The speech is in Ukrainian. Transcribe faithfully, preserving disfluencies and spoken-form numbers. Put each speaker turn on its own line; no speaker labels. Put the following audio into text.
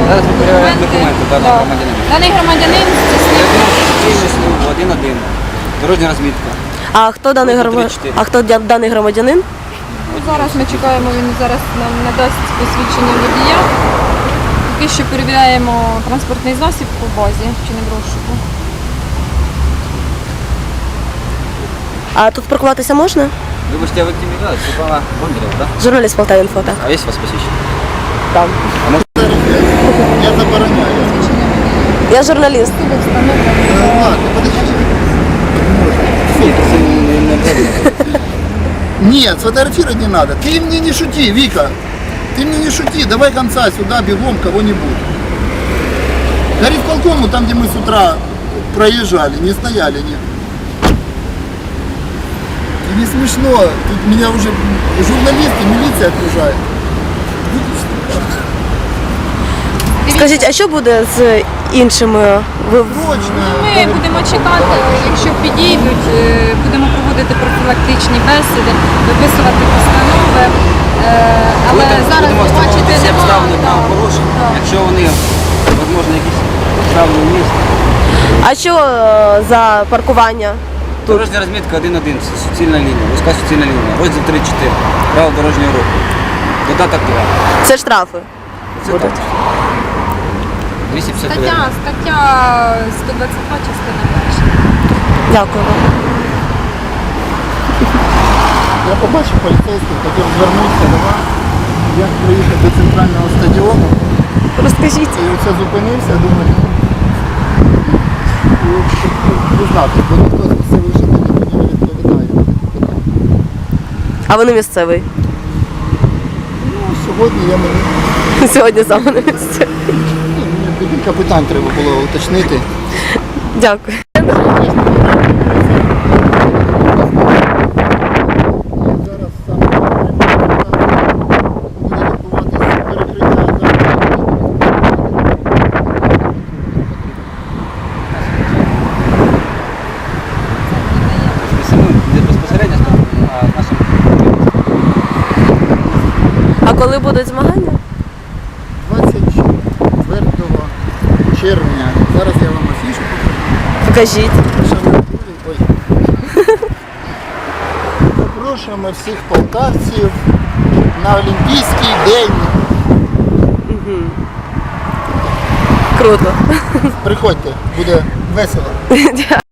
Зараз ми перевіряємо
документи.
документи даного
Да.
громадянина.
Даний громадянин здійснив.
один-один. Дорожня розмітка.
А хто даний
Пункт
громадянин?
тридцять чотири.
А хто дя- даний громадянин?
Ну, зараз ми чекаємо, він зараз нам надасть посвідчення водія. Поки що перевіряємо транспортний засіб по базі, чи не в розшуку.
А тут паркуватися можна?
Вибачте, а ви ким віддали? Світлана Бондарєва, так?
Журналіст Полтавінфо, так.
А є у вас посвідчення?
Там.
А може
Я забороняю.
Я журналіст.
Э, Ладно, подожди.
це не- не обов'язково.
Нет, сфотографировать не надо. Ты мне не шути, Вика. Ты мне не шути. Давай конца сюда, бегом кого-нибудь. Горит полкому, там, где мы с утра проезжали, не стояли, нет. И не смешно. Тут меня уже журналисты, милиция окружает.
Скажіть, а що буде з іншими? Ви
Срочно.
Ми будемо чекати, якщо підійдуть, е, будемо проводити профілактичні бесіди, виписувати постанови. Е, Але
Будемо-
зараз
будемо
ви бачите,
встановлювати всі
немає.
обставини
да.
правопорушень.
Да.
Якщо вони, можливо, якісь обставини в місті.
А що е, за паркування?
Дорожня розмітка один-один, це суцільна лінія, вузька суцільна лінія. Розділ три чотири. Право дорожнього руху. Додаток два.
Це штрафи.
Це
Будуть.
так. двісті п'ятдесят один.
Стаття, стаття сто двадцять два, частина перша.
Дякую вам.
Я побачив поліцейських, хотів звернутися до вас. Як приїхати до центрального стадіону.
Розкажіть.
І оце зупинився, думаю, не знати, бо ніхто з місцевих жителів мені не відповідає.
А ви не місцевий?
Ну, сьогодні я мені,
Сьогодні саме на місці.
ну, мені декілька питань треба було уточнити.
Дякую.
Зараз саме буде відбуватися перекриття.
Не безпосередньо, а нашим.
А коли будуть змагання?
двадцять четвертого червня. Зараз я вам афішу
Покажіть.
покажу. Ой. Запрошуємо всіх полтавців на Олімпійський день.
Круто.
Приходьте, буде весело.